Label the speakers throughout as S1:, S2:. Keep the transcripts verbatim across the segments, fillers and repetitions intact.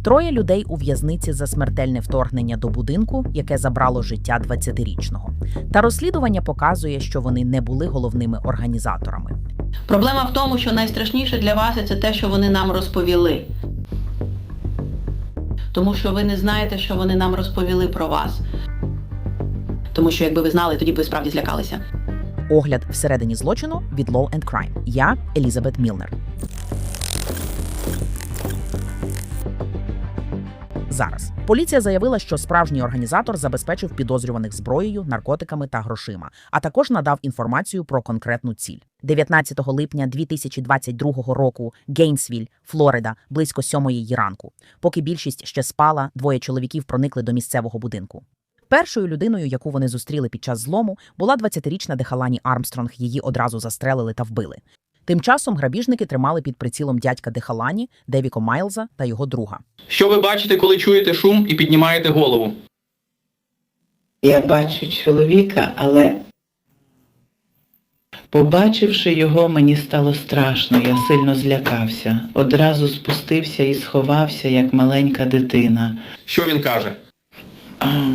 S1: Троє людей у в'язниці за смертельне вторгнення до будинку, яке забрало життя двадцятирічного. Та розслідування показує, що вони не були головними організаторами.
S2: Проблема в тому, що найстрашніше для вас – це те, що вони нам розповіли. Тому що ви не знаєте, що вони нам розповіли про вас. Тому що якби ви знали, тоді б ви справді злякалися.
S1: Огляд всередині злочину від Law and Crime. Я Елізабет Мілнер. Зараз. Поліція заявила, що справжній організатор забезпечив підозрюваних зброєю, наркотиками та грошима, а також надав інформацію про конкретну ціль. дев'ятнадцятого липня дві тисячі двадцять другого року, Гейнсвіль, Флорида, близько сьомої ранку. Поки більшість ще спала, двоє чоловіків проникли до місцевого будинку. Першою людиною, яку вони зустріли під час злому, була двадцятирічна Дехалані Армстронг, її одразу застрелили та вбили. Тим часом грабіжники тримали під прицілом дядька Дехалані, Девіко Майлза та його друга.
S3: Що ви бачите, коли чуєте шум і піднімаєте голову?
S4: Я бачу чоловіка, але побачивши його, мені стало страшно, я сильно злякався. Одразу спустився і сховався, як маленька дитина.
S3: Що він каже?
S4: А,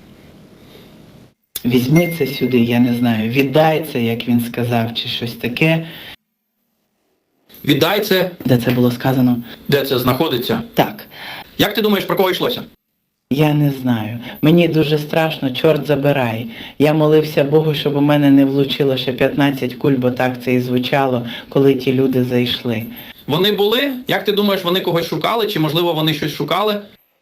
S4: візьми це сюди, я не знаю, віддай це, як він сказав, чи щось таке.
S3: Віддай це.
S4: Де це було сказано?
S3: Де це знаходиться?
S4: Так.
S3: Як ти думаєш, про кого йшлося?
S4: Я не знаю. Мені дуже страшно, чорт забирай. Я молився Богу, щоб у мене не влучило ще п'ятнадцять куль, бо так це і звучало, коли ті люди зайшли.
S3: Вони були? Як ти думаєш, вони когось шукали? Чи, можливо, вони щось шукали?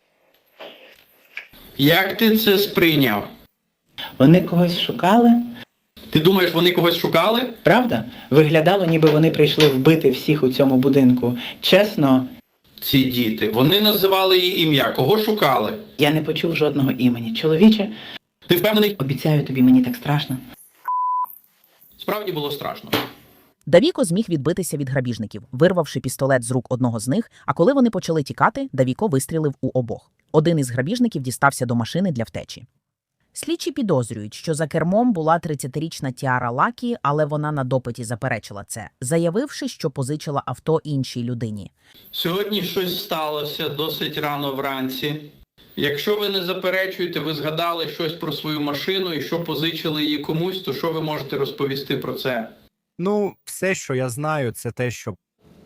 S3: Як ти це сприйняв?
S4: Вони когось шукали?
S3: Ти думаєш, вони когось шукали?
S4: Правда? Виглядало, ніби вони прийшли вбити всіх у цьому будинку. Чесно,
S3: Ці діти, вони називали її ім'я. Кого шукали?
S4: я не почув жодного імені. Чоловіче,
S3: Ти впевнений?
S4: обіцяю тобі, мені так страшно.
S3: Справді було страшно.
S1: Давіко зміг відбитися від грабіжників, вирвавши пістолет з рук одного з них, а коли вони почали тікати, Давіко вистрілив у обох. Один із грабіжників дістався до машини для втечі. Слідчі підозрюють, що за кермом була тридцятирічна Тіара Лакі, але вона на допиті заперечила це, заявивши, що позичила авто іншій людині.
S3: Сьогодні щось сталося досить рано вранці. Якщо ви не заперечуєте, ви згадали щось про свою машину і що позичили її комусь, то що ви можете розповісти про це?
S5: Ну, все, що я знаю, це те, що...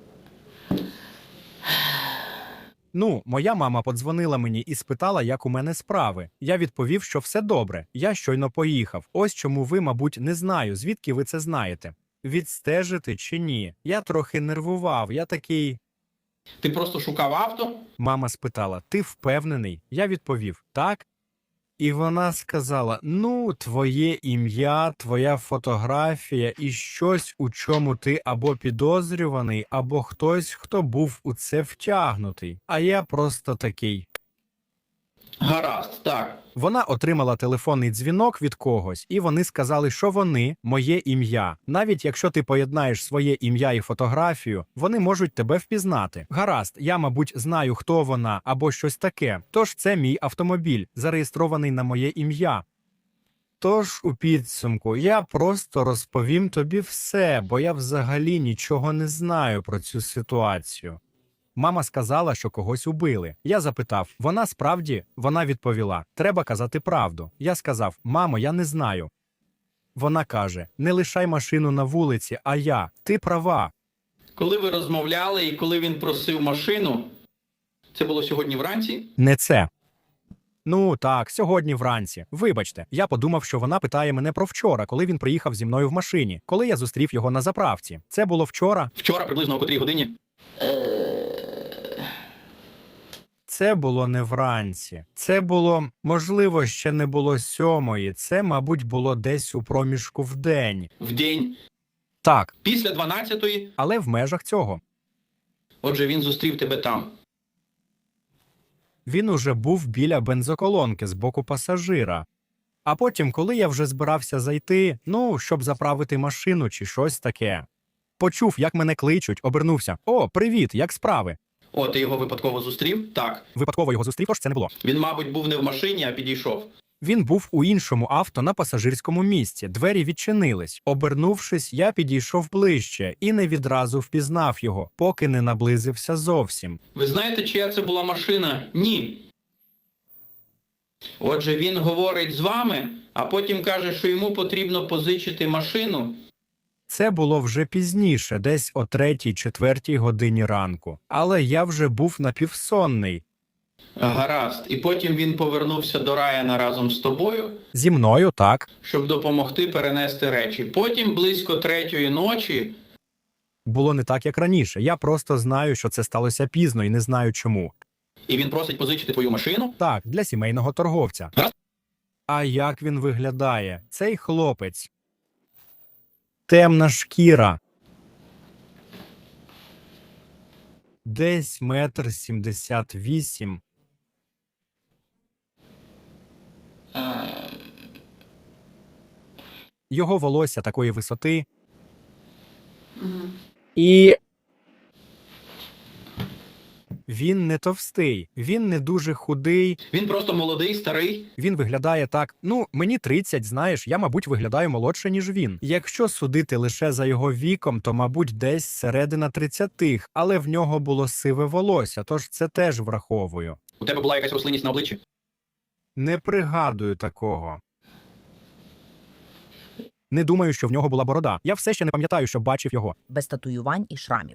S5: Ну, моя мама подзвонила мені і спитала, як у мене справи. Я відповів, що все добре. Я щойно поїхав. Ось чому ви, мабуть, не знаю, звідки ви це знаєте. Відстежити чи ні? Я трохи нервував, я такий...
S3: Ти просто шукав авто?
S5: Мама спитала, ти впевнений? Я відповів, так. І вона сказала, ну, твоє ім'я, твоя фотографія і щось, у чому ти або підозрюваний, або хтось, хто був у це втягнутий. А я просто такий.
S3: Гаразд, так.
S5: Вона отримала телефонний дзвінок від когось, і вони сказали, що вони – моє ім'я. Навіть якщо ти поєднаєш своє ім'я і фотографію, вони можуть тебе впізнати. Гаразд, я, мабуть, знаю, хто вона або щось таке. Тож це мій автомобіль, зареєстрований на моє ім'я. Тож, у підсумку, я просто розповім тобі все, бо я взагалі нічого не знаю про цю ситуацію. Мама сказала, що когось убили. Я запитав, вона справді? Вона відповіла, треба казати правду. Я сказав, мамо, я не знаю. Вона каже, не лишай машину на вулиці, а я. Ти права.
S3: Коли ви розмовляли і коли він просив машину, це було сьогодні вранці?
S5: Не це. Ну, так, сьогодні вранці. Вибачте, я подумав, що вона питає мене про вчора, коли він приїхав зі мною в машині, коли я зустрів його на заправці. Це було вчора?
S3: Вчора, приблизно о котрій годині?
S5: Це було не вранці. Це було, можливо, ще не було сьомої. Це, мабуть, було десь у проміжку в день.
S3: В день?
S5: Так,
S3: Після дванадцятої?
S5: але в межах цього.
S3: Отже, він зустрів тебе там.
S5: Він уже був біля бензоколонки з боку пасажира. А потім, коли я вже збирався зайти, ну, щоб заправити машину чи щось таке. Почув, як мене кличуть, обернувся. О, привіт, як справи?
S3: О, ти його випадково зустрів? Так.
S5: Випадково його зустрів, тож це не було.
S3: Він, мабуть, був не в машині, а підійшов.
S5: Він був у іншому авто на пасажирському місці. Двері відчинились. Обернувшись, я підійшов ближче і не відразу впізнав його, поки не наблизився зовсім.
S3: Ви знаєте, чия це була машина? Ні. Отже, він говорить з вами, а потім каже, що йому потрібно позичити машину.
S5: Це було вже пізніше, десь о третій-четвертій годині ранку. Але я вже був напівсонний.
S3: Гаразд. І потім він повернувся до Райана разом з тобою,
S5: Зі мною, так.
S3: щоб допомогти перенести речі. Потім близько третьої ночі
S5: Було не так, як раніше. Я просто знаю, що це сталося пізно і не знаю чому.
S3: і він просить позичити твою машину.
S5: Так, для сімейного торговця.
S3: Гаразд.
S5: А як він виглядає? Цей хлопець. Темна шкіра. Десь метр сімдесят вісім. Його волосся такої висоти. І він не товстий, він не дуже худий.
S3: Він просто молодий, старий.
S5: Він виглядає так, ну, мені тридцять, знаєш, я, мабуть, виглядаю молодше, ніж він. Якщо судити лише за його віком, то, мабуть, десь середина тридцятих, але в нього було сиве волосся, тож це теж враховую.
S3: У тебе була якась рослинність на обличчі?
S5: Не пригадую такого. Не думаю, що в нього була борода. Я все ще не пам'ятаю, що бачив його.
S1: Без татуювань і шрамів.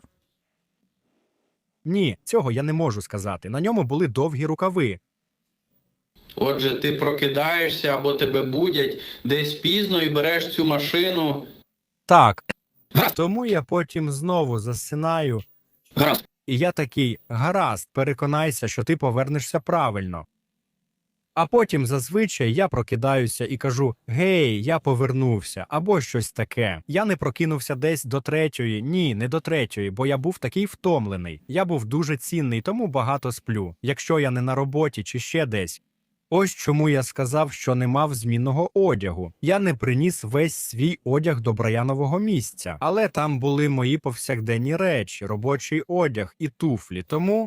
S5: Ні, цього я не можу сказати. На ньому були довгі рукави.
S3: Отже, ти прокидаєшся або тебе будять десь пізно і береш цю машину.
S5: Так.
S3: Гаразд.
S5: Тому я потім знову засинаю.
S3: Гаразд.
S5: І я такий, гаразд, переконайся, що ти повернешся правильно. А потім зазвичай я прокидаюся і кажу, гей, я повернувся, або щось таке. Я не прокинувся десь до третьої, ні, не до третьої, бо я був такий втомлений. Я був дуже цінний, тому багато сплю, якщо я не на роботі чи ще десь. Ось чому я сказав, що не мав змінного одягу. Я не приніс весь свій одяг до Брайанового місця, але там були мої повсякденні речі, робочий одяг і туфлі, тому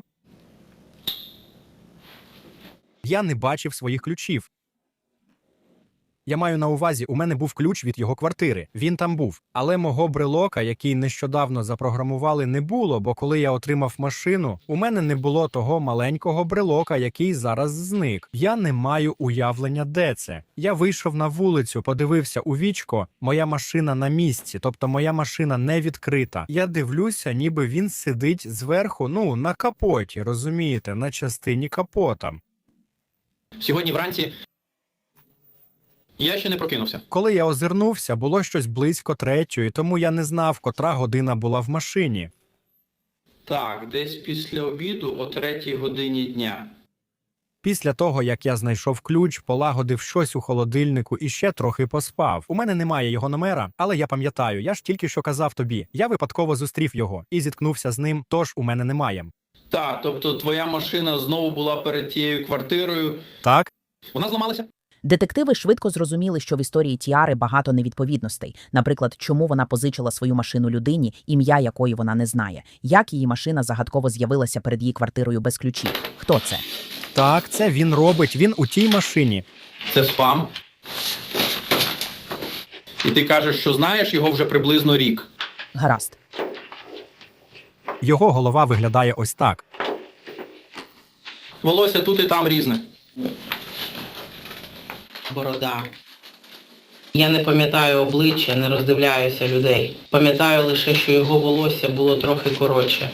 S5: я не бачив своїх ключів. Я маю на увазі, у мене був ключ від його квартири. Він там був. Але мого брелока, який нещодавно запрограмували, не було, бо коли я отримав машину, у мене не було того маленького брелока, який зараз зник. Я не маю уявлення, де це. Я вийшов на вулицю, подивився у вічко, моя машина на місці, тобто моя машина не відкрита. Я дивлюся, ніби він сидить зверху, ну, на капоті, розумієте, на частині капота.
S3: Сьогодні вранці я ще не прокинувся.
S5: Коли я озирнувся, було щось близько третьої, тому я не знав, котра година була в машині.
S3: Так, десь після обіду о третій годині дня.
S5: Після того, як я знайшов ключ, полагодив щось у холодильнику і ще трохи поспав. У мене немає його номера, але я пам'ятаю, я ж тільки що казав тобі. Я випадково зустрів його і зіткнувся з ним, тож у мене немає.
S3: Так, тобто твоя машина знову була перед тією квартирою.
S5: Так?
S3: Вона зламалася?
S1: Детективи швидко зрозуміли, що в історії Тіари багато невідповідностей. Наприклад, чому вона позичила свою машину людині, ім'я якої вона не знає. Як її машина загадково з'явилася перед її квартирою без ключів. Хто це?
S5: Так, це він робить, він у тій машині.
S3: Це спам. І ти кажеш, що знаєш його вже приблизно рік.
S1: Гаразд.
S5: Його голова виглядає ось так.
S3: Волосся тут і там різне.
S4: Борода. Я не пам'ятаю обличчя, не роздивляюся людей. Пам'ятаю лише, що його волосся було трохи коротше.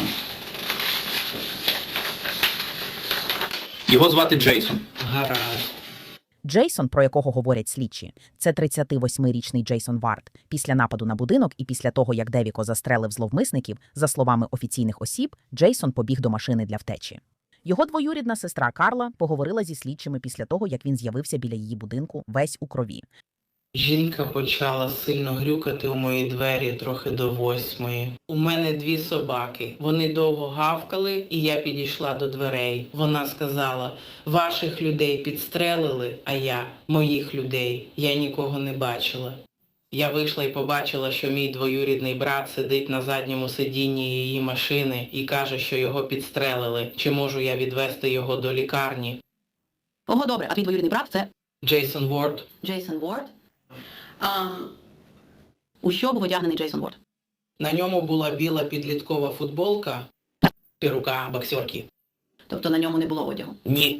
S3: Його звати Джейсон.
S4: Гаразд.
S1: Джейсон, про якого говорять слідчі, це тридцятивосьмирічний Джейсон Вард. Після нападу на будинок і після того, як Девіко застрелив зловмисників, за словами офіційних осіб, Джейсон побіг до машини для втечі. Його двоюрідна сестра Карла поговорила зі слідчими після того, як він з'явився біля її будинку весь у крові.
S4: Жінка почала сильно грюкати у мої двері трохи до восьмої. У мене дві собаки. Вони довго гавкали, і я підійшла до дверей. Вона сказала, ваших людей підстрелили, а я, моїх людей, я нікого не бачила. Я вийшла і побачила, що мій двоюрідний брат сидить на задньому сидінні її машини і каже, що його підстрелили. Чи можу я відвести його до лікарні?
S2: Ого, добре, а твій двоюрідний брат це...
S4: Джейсон Ворд.
S2: Джейсон Ворд? А, у що був одягнений Джейсон Ворд?
S4: На ньому була біла підліткова футболка і рука боксерки.
S2: Тобто на ньому не було одягу.
S4: Ні.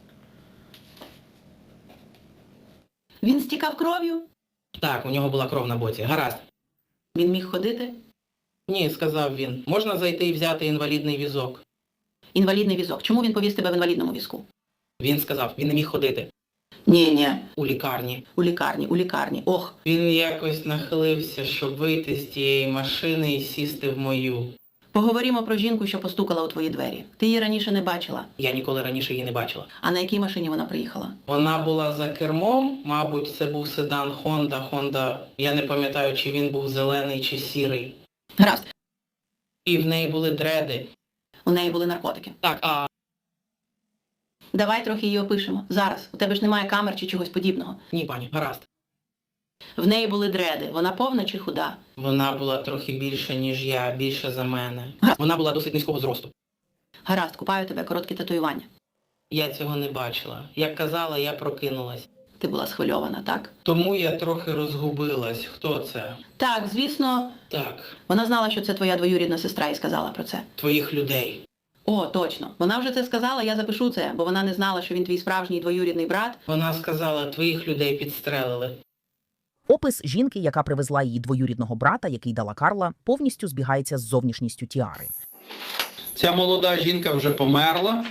S2: Він стікав кров'ю?
S4: Так, у нього була кров на боці. Гаразд.
S2: Він міг ходити?
S4: Ні, сказав він. Можна зайти і взяти інвалідний візок.
S2: Інвалідний візок. Чому він повіз тебе в інвалідному візку?
S4: Він сказав, він не міг ходити.
S2: Ні, ні.
S4: У лікарні.
S2: У лікарні, у лікарні. Ох,
S4: Він якось нахилився, щоб вийти з тієї машини і сісти в мою.
S2: поговоримо про жінку, що постукала у твої двері. Ти її раніше не бачила.
S4: Я ніколи раніше її не бачила.
S2: А на якій машині вона приїхала?
S4: Вона була за кермом, мабуть, це був седан Honda. Honda, я не пам'ятаю, чи він був зелений чи сірий.
S2: Гаразд.
S4: І в неї були дреди.
S2: У неї були наркотики.
S4: Так, а
S2: Давай трохи її опишемо. Зараз. У тебе ж немає камер чи чогось подібного.
S4: ні, пані, гаразд.
S2: В неї були дреди. Вона повна чи худа?
S4: Вона була трохи більша, ніж я, більша за мене. Вона була досить низького зросту.
S2: Гаразд, купаю тебе короткі татуювання.
S4: Я цього не бачила. Як казала, я прокинулась.
S2: Ти була схвильована, так?
S4: Тому я трохи розгубилась. Хто це?
S2: Так, звісно.
S4: Так,
S2: Вона знала, що це твоя двоюрідна сестра і сказала про це.
S4: твоїх людей.
S2: О, точно. Вона вже це сказала, я запишу це, бо вона не знала, що він твій справжній двоюрідний брат.
S4: Вона сказала, твоїх людей підстрелили.
S1: Опис жінки, яка привезла її двоюрідного брата, який дала Карла, повністю збігається з зовнішністю Тіари.
S3: Ця молода жінка вже померла.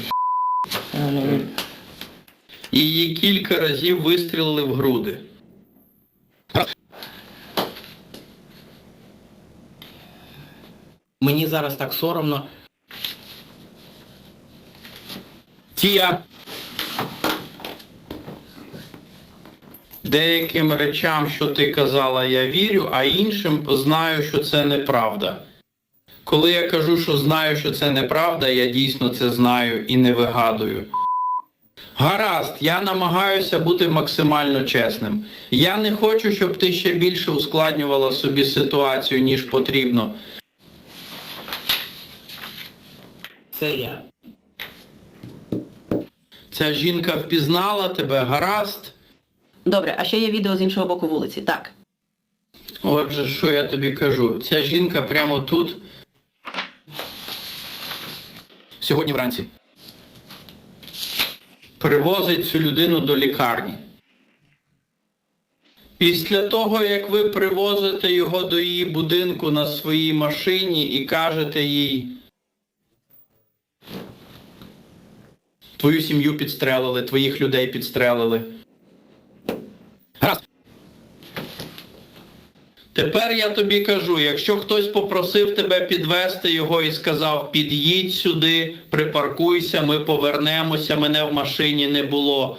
S3: І її кілька разів вистрілили в груди.
S4: Мені зараз так соромно.
S3: Тія. Деяким речам, що ти казала, я вірю, а іншим знаю, що це неправда. Коли я кажу, що знаю, що це неправда, я дійсно це знаю і не вигадую. Гаразд, я намагаюся бути максимально чесним. Я не хочу, щоб ти ще більше ускладнювала собі ситуацію, ніж потрібно.
S4: Це я.
S3: Ця жінка впізнала тебе, гаразд?
S2: Добре, а ще є відео з іншого боку вулиці, так.
S3: Отже, що я тобі кажу? Ця жінка прямо тут. Сьогодні вранці. Привозить цю людину до лікарні. Після того, як ви привозите його до її будинку на своїй машині і кажете їй: твою сім'ю підстрелили, твоїх людей підстрелили. Гаразд. Тепер я тобі кажу, якщо хтось попросив тебе підвести його і сказав: під'їдь сюди, припаркуйся, ми повернемося, мене в машині не було.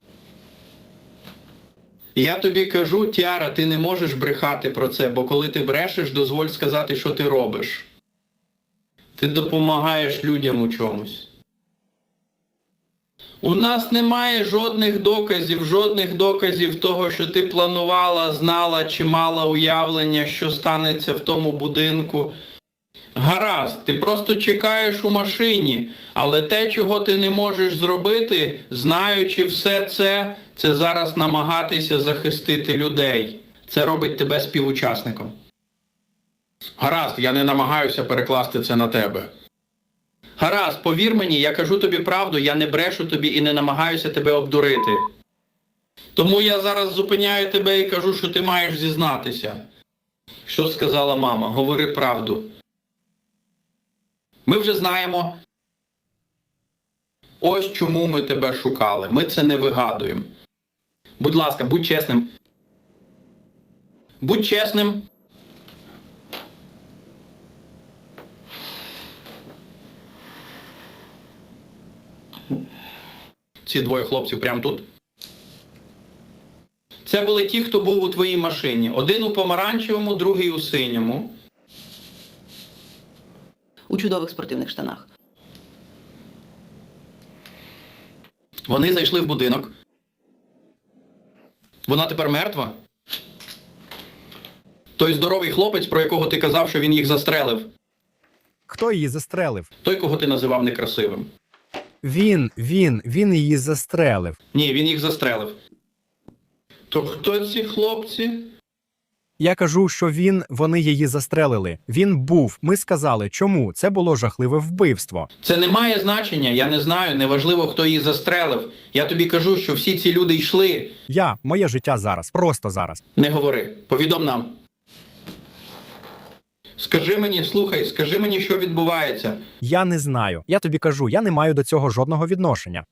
S3: Я тобі кажу, Тіара, ти не можеш брехати про це, бо коли ти брешеш, дозволь сказати, що ти робиш. Ти допомагаєш людям у чомусь. У нас немає жодних доказів, жодних доказів того, що ти планувала, знала чи мала уявлення, що станеться в тому будинку. Гаразд, ти просто чекаєш у машині, але те, чого ти не можеш зробити, знаючи все це, це зараз намагатися захистити людей. Це робить тебе співучасником. Гаразд, я не намагаюся перекласти це на тебе. Гаразд, повір мені, я кажу тобі правду, я не брешу тобі і не намагаюся тебе обдурити. Тому я зараз зупиняю тебе і кажу, що ти маєш зізнатися. Що сказала мама? Говори правду. Ми вже знаємо. Ось чому ми тебе шукали. Ми це не вигадуємо. Будь ласка, будь чесним. Будь чесним. Ці двоє хлопців прямо тут. Це були ті, хто був у твоїй машині. Один у помаранчевому, другий у синьому.
S2: У чудових спортивних штанах.
S3: Вони зайшли в будинок. Вона тепер мертва? Той здоровий хлопець, про якого ти казав, що він їх застрелив.
S5: Хто її застрелив?
S3: Той, кого ти називав некрасивим.
S5: Він, він, він її застрелив.
S3: Ні, він їх застрелив. То хто ці хлопці?
S5: Я кажу, що він, вони її застрелили. Він був. Ми сказали, чому? Це було жахливе вбивство.
S3: Це не має значення, я не знаю, неважливо, хто її застрелив. Я тобі кажу, що всі ці люди йшли.
S5: Я, моє життя зараз, просто зараз.
S3: Не говори, повідом нам. Скажи мені, слухай, скажи мені, що відбувається.
S5: Я не знаю. Я тобі кажу, я не маю до цього жодного відношення.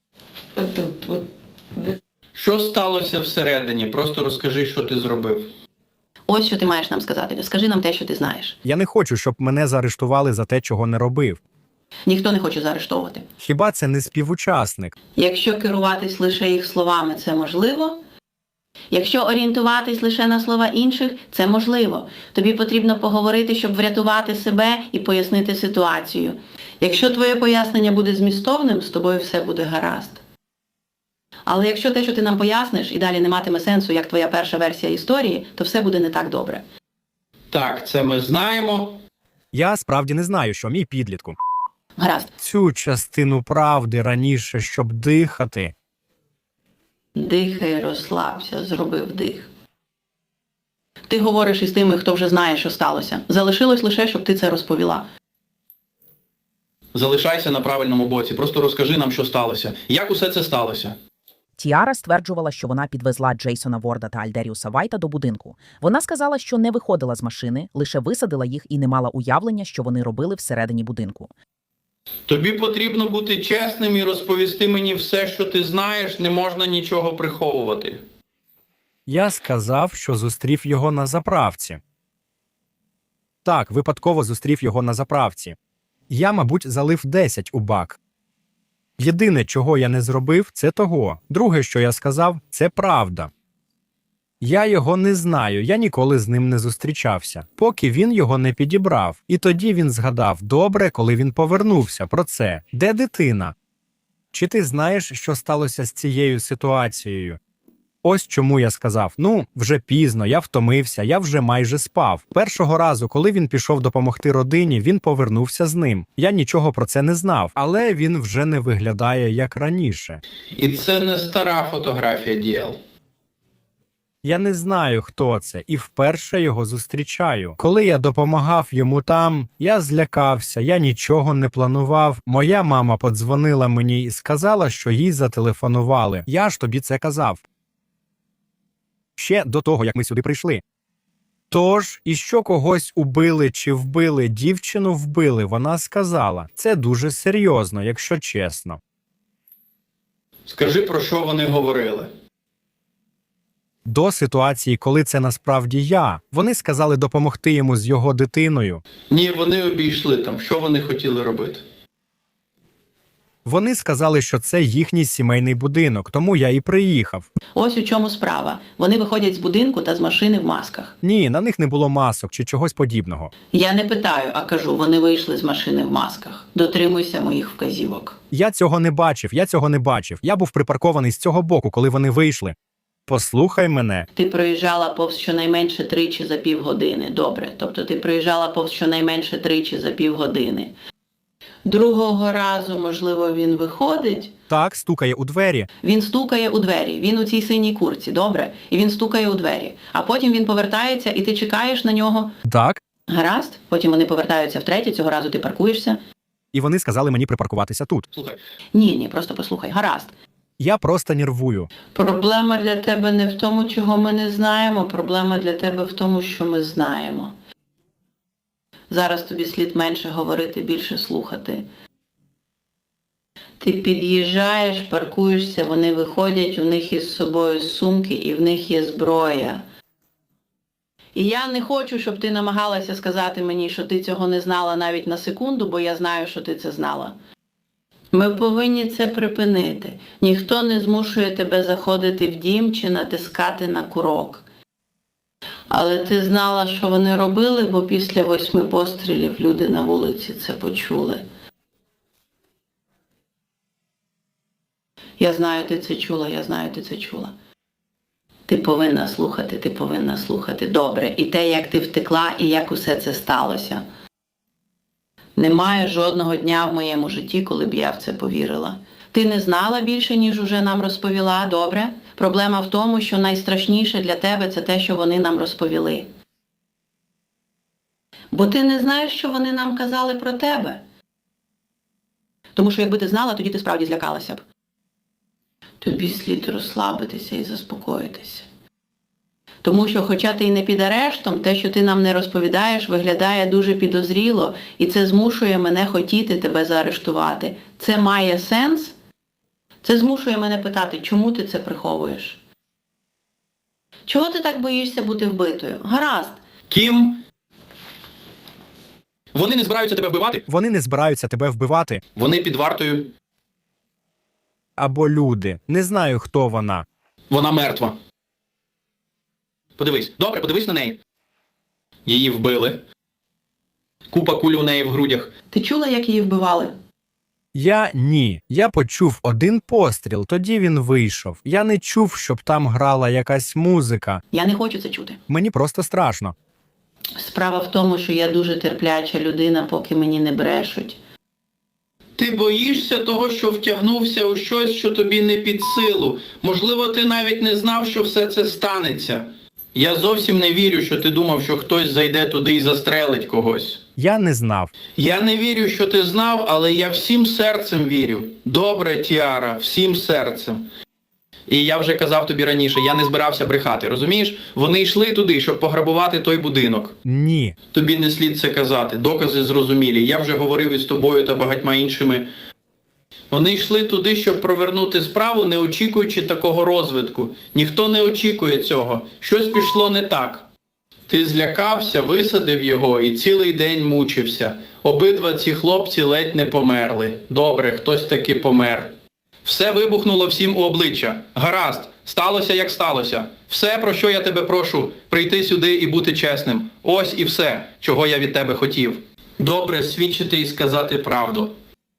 S3: Що сталося всередині? Просто розкажи, що ти зробив.
S2: Ось що ти маєш нам сказати. Скажи нам те, що ти знаєш.
S5: Я не хочу, щоб мене заарештували за те, чого не робив.
S2: Ніхто не хоче заарештовувати.
S5: Хіба це не співучасник?
S2: Якщо керуватись лише їх словами, це можливо. Якщо орієнтуватись лише на слова інших, це можливо. Тобі потрібно поговорити, щоб врятувати себе і пояснити ситуацію. Якщо твоє пояснення буде змістовним, з тобою все буде гаразд. Але якщо те, що ти нам поясниш, і далі не матиме сенсу, як твоя перша версія історії, то все буде не так добре.
S3: Так, це ми знаємо.
S5: Я справді не знаю, що мій підлітку.
S2: Гаразд.
S5: Цю частину правди раніше, щоб дихати.
S2: Дихай, розслабся, зроби вдих. Ти говориш із тими, хто вже знає, що сталося. Залишилось лише, щоб ти це розповіла.
S3: Залишайся на правильному боці, просто розкажи нам, що сталося. Як усе це сталося?
S1: Тіара стверджувала, що вона підвезла Джейсона Ворда та Альдеріуса Вайта до будинку. Вона сказала, що не виходила з машини, лише висадила їх і не мала уявлення, що вони робили всередині будинку.
S3: Тобі потрібно бути чесним і розповісти мені все, що ти знаєш, не можна нічого приховувати.
S5: Я сказав, що зустрів його на заправці. Так, випадково зустрів його на заправці. Я, мабуть, залив десять у бак. Єдине, чого я не зробив, це того. Друге, що я сказав, це правда. Я його не знаю, я ніколи з ним не зустрічався, поки він його не підібрав. І тоді він згадав добре, коли він повернувся про це. Де дитина? Чи ти знаєш, що сталося з цією ситуацією? Ось чому я сказав, ну, вже пізно, я втомився, я вже майже спав. Першого разу, коли він пішов допомогти родині, він повернувся з ним. Я нічого про це не знав, але він вже не виглядає як раніше.
S3: І це не стара фотографія, Діел.
S5: Я не знаю, хто це, і вперше його зустрічаю. Коли я допомагав йому там, я злякався, я нічого не планував. Моя мама подзвонила мені і сказала, що їй зателефонували. Я ж тобі це казав. Ще до того, як ми сюди прийшли. Тож, і що когось убили чи вбили, дівчину вбили, вона сказала. Це дуже серйозно, якщо чесно.
S3: Скажи, про що вони говорили.
S5: До ситуації, коли це насправді я. Вони сказали допомогти йому з його дитиною.
S3: Ні, вони обійшли там. Що вони хотіли робити?
S5: Вони сказали, що це їхній сімейний будинок, тому я і приїхав.
S2: Ось у чому справа. Вони виходять з будинку та з машини в масках.
S5: Ні, на них не було масок чи чогось подібного.
S2: Я не питаю, а кажу, вони вийшли з машини в масках. Дотримуйся моїх вказівок.
S5: Я цього не бачив, я цього не бачив. Я був припаркований з цього боку, коли вони вийшли. Послухай мене.
S2: Ти проїжджала повз щонайменше тричі за півгодини. Добре. Тобто ти проїжджала повз щонайменше тричі за півгодини. Другого разу, можливо, він виходить.
S5: Так, стукає у двері.
S2: Він стукає у двері. Він у цій синій куртці, добре? І він стукає у двері. А потім він повертається, і ти чекаєш на нього.
S5: Так.
S2: Гаразд. Потім вони повертаються втретє, цього разу ти паркуєшся.
S5: І вони сказали мені припаркуватися тут.
S3: Слухай,
S2: Ні, ні, просто послухай. Гаразд.
S5: Я просто нервую.
S2: Проблема для тебе не в тому, чого ми не знаємо. Проблема для тебе в тому, що ми знаємо. Зараз тобі слід менше говорити, більше слухати. Ти під'їжджаєш, паркуєшся, вони виходять, у них із собою сумки і в них є зброя. І я не хочу, щоб ти намагалася сказати мені, що ти цього не знала навіть на секунду, бо я знаю, що ти це знала. Ми повинні це припинити. Ніхто не змушує тебе заходити в дім чи натискати на курок. Але ти знала, що вони робили, бо після восьми пострілів люди на вулиці це почули. Я знаю, ти це чула, я знаю, ти це чула. Ти повинна слухати, ти повинна слухати. Добре. І те, як ти втекла, і як усе це сталося. Немає жодного дня в моєму житті, коли б я в це повірила. Ти не знала більше, ніж уже нам розповіла, добре? Проблема в тому, що найстрашніше для тебе – це те, що вони нам розповіли. Бо ти не знаєш, що вони нам казали про тебе. Тому що якби ти знала, тоді ти справді злякалася б. Тобі слід розслабитися і заспокоїтися. Тому що, хоча ти й не під арештом, те, що ти нам не розповідаєш, виглядає дуже підозріло, і це змушує мене хотіти тебе заарештувати. Це має сенс? Це змушує мене питати, чому ти це приховуєш? Чого ти так боїшся бути вбитою? Гаразд.
S3: Кім? Вони не збираються тебе вбивати?
S5: Вони не збираються тебе вбивати.
S3: Вони під вартою.
S5: Або люди. Не знаю, хто вона.
S3: Вона мертва. Подивись. Добре, подивись на неї. Її вбили. Купа куль у неї в грудях.
S2: Ти чула, як її вбивали?
S5: Я ні. Я почув один постріл, тоді він вийшов. Я не чув, щоб там грала якась музика.
S2: Я не хочу це чути.
S5: Мені просто страшно.
S2: Справа в тому, що я дуже терпляча людина, поки мені не брешуть.
S3: Ти боїшся того, що втягнувся у щось, що тобі не під силу. Можливо, ти навіть не знав, що все це станеться. Я зовсім не вірю, що ти думав, що хтось зайде туди і застрелить когось.
S5: Я не знав.
S3: Я не вірю, що ти знав, але я всім серцем вірю. Добре, Тіара, всім серцем. І я вже казав тобі раніше, я не збирався брехати, розумієш? Вони йшли туди, щоб пограбувати той будинок.
S5: Ні.
S3: Тобі не слід це казати, докази зрозумілі. Я вже говорив із тобою та багатьма іншими. Вони йшли туди, щоб провернути справу, не очікуючи такого розвитку. Ніхто не очікує цього. Щось пішло не так. Ти злякався, висадив його і цілий день мучився. Обидва ці хлопці ледь не померли. Добре, хтось таки помер. Все вибухнуло всім у обличчя. Гаразд, сталося як сталося. Все, про що я тебе прошу, прийти сюди і бути чесним. Ось і все, чого я від тебе хотів. Добре, свідчити і сказати правду.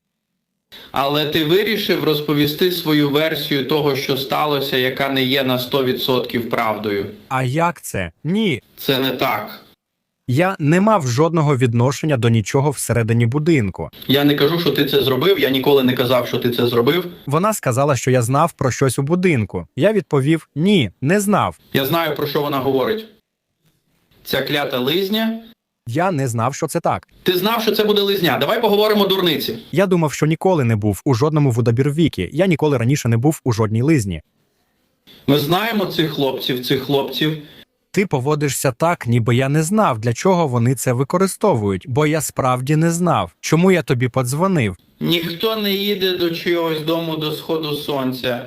S3: Але ти вирішив розповісти свою версію того, що сталося, яка не є на сто відсотків правдою.
S5: А як це? Ні.
S3: Це не так.
S5: Я не мав жодного відношення до нічого всередині будинку.
S3: Я не кажу, що ти це зробив, я ніколи не казав, що ти це зробив.
S5: Вона сказала, що я знав про щось у будинку. Я відповів: ні, не знав.
S3: Я знаю, про що вона говорить. Ця клята лизня.
S5: Я не знав, що це так.
S3: Ти знав, що це буде лизня. Давай поговоримо дурниці.
S5: Я думав, що ніколи не був у жодному водобірвікі. Я ніколи раніше не був у жодній лизні.
S3: Ми знаємо цих хлопців, цих хлопців.
S5: Ти поводишся так, ніби я не знав, для чого вони це використовують, бо я справді не знав. Чому я тобі подзвонив?
S3: Ніхто не їде до чогось дому до сходу сонця.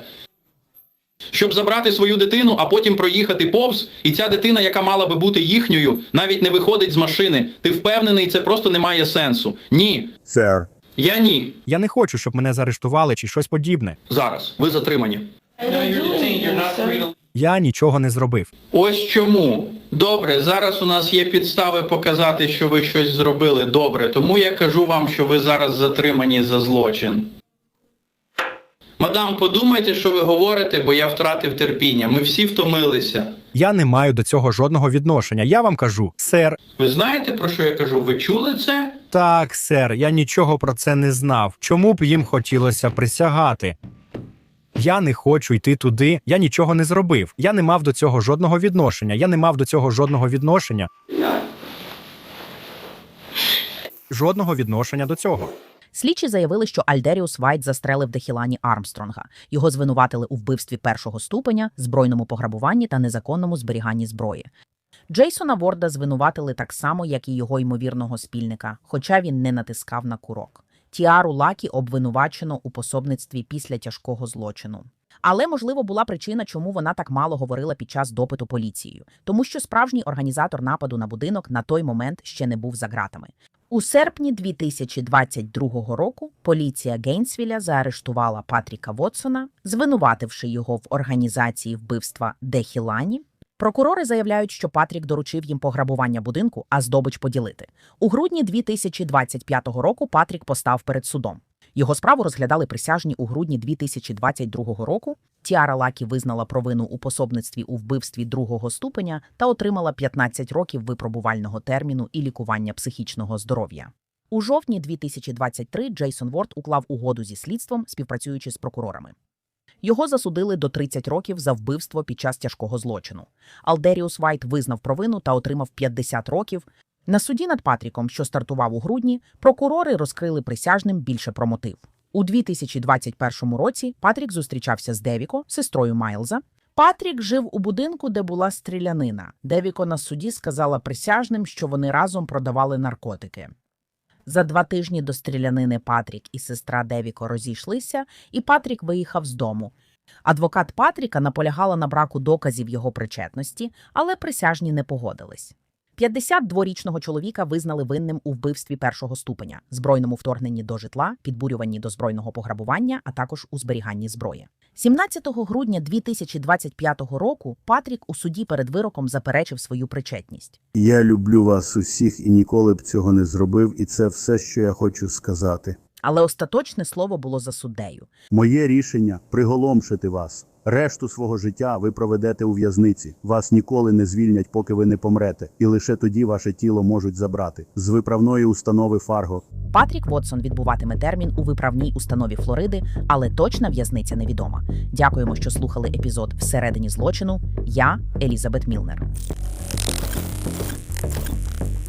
S3: Щоб забрати свою дитину, а потім проїхати повз, і ця дитина, яка мала би бути їхньою, навіть не виходить з машини. Ти впевнений, це просто не має сенсу. Ні.
S6: Сер.
S3: Я ні.
S5: Я не хочу, щоб мене заарештували чи щось подібне.
S3: Зараз. Ви затримані.
S5: Я нічого не зробив.
S3: Ось чому. Добре, зараз у нас є підстави показати, що ви щось зробили. Добре, тому я кажу вам, що ви зараз затримані за злочин. Мадам, подумайте, що ви говорите, бо я втратив терпіння. Ми всі втомилися.
S5: Я не маю до цього жодного відношення. Я вам кажу: сер.
S3: Ви знаєте, про що я кажу? Ви чули це?
S5: Так, сер, я нічого про це не знав. Чому б їм хотілося присягати? Я не хочу йти туди, я нічого не зробив. Я не мав до цього жодного відношення. Я не мав до цього жодного відношення. Жодного відношення до цього.
S1: Слідчі заявили, що Альдеріус Вайт застрелив Дехілані Армстронга. Його звинуватили у вбивстві першого ступеня, збройному пограбуванні та незаконному зберіганні зброї. Джейсона Ворда звинуватили так само, як і його ймовірного спільника, хоча він не натискав на курок. Тіару Лакі обвинувачено у пособництві після тяжкого злочину. Але, можливо, була причина, чому вона так мало говорила під час допиту поліцією. Тому що справжній організатор нападу на будинок на той момент ще не був за ґратами. У серпні дві тисячі двадцять другого року поліція Гейнсвіля заарештувала Патріка Вотсона, звинувативши його в організації вбивства Дехілані. Прокурори заявляють, що Патрік доручив їм пограбування будинку, а здобич поділити. У грудні дві тисячі двадцять п'ятого року Патрік постав перед судом. Його справу розглядали присяжні у грудні дві тисячі двадцять другого року. Тіара Лакі визнала провину у пособництві у вбивстві другого ступеня та отримала п'ятнадцять років випробувального терміну і лікування психічного здоров'я. У жовтні дві тисячі двадцять третього Джейсон Ворд уклав угоду зі слідством, співпрацюючи з прокурорами. Його засудили до тридцяти років за вбивство під час тяжкого злочину. Алдеріус Вайт визнав провину та отримав п'ятдесят років. На суді над Патріком, що стартував у грудні, прокурори розкрили присяжним більше про мотив. У дві тисячі двадцять першому році Патрік зустрічався з Девіко, сестрою Майлза. Патрік жив у будинку, де була стрілянина. Девіко на суді сказала присяжним, що вони разом продавали наркотики. За два тижні до стрілянини Патрік і сестра Девіко розійшлися, і Патрік виїхав з дому. Адвокат Патріка наполягала на браку доказів його причетності, але присяжні не погодились. п'ятдесятидворічного чоловіка визнали винним у вбивстві першого ступеня, збройному вторгненні до житла, підбурюванні до збройного пограбування, а також у зберіганні зброї. сімнадцятого грудня дві тисячі двадцять п'ятого року Патрік у суді перед вироком заперечив свою причетність.
S6: Я люблю вас усіх і ніколи б цього не зробив, і це все, що я хочу сказати.
S1: Але остаточне слово було за суддею.
S6: Моє рішення – приголомшити вас. Решту свого життя ви проведете у в'язниці. Вас ніколи не звільнять, поки ви не помрете. І лише тоді ваше тіло можуть забрати. З виправної установи Фарго.
S1: Патрік Вотсон відбуватиме термін у виправній установі Флориди, але точна в'язниця невідома. Дякуємо, що слухали епізод «Всередині злочину». Я – Елізабет Мілнер.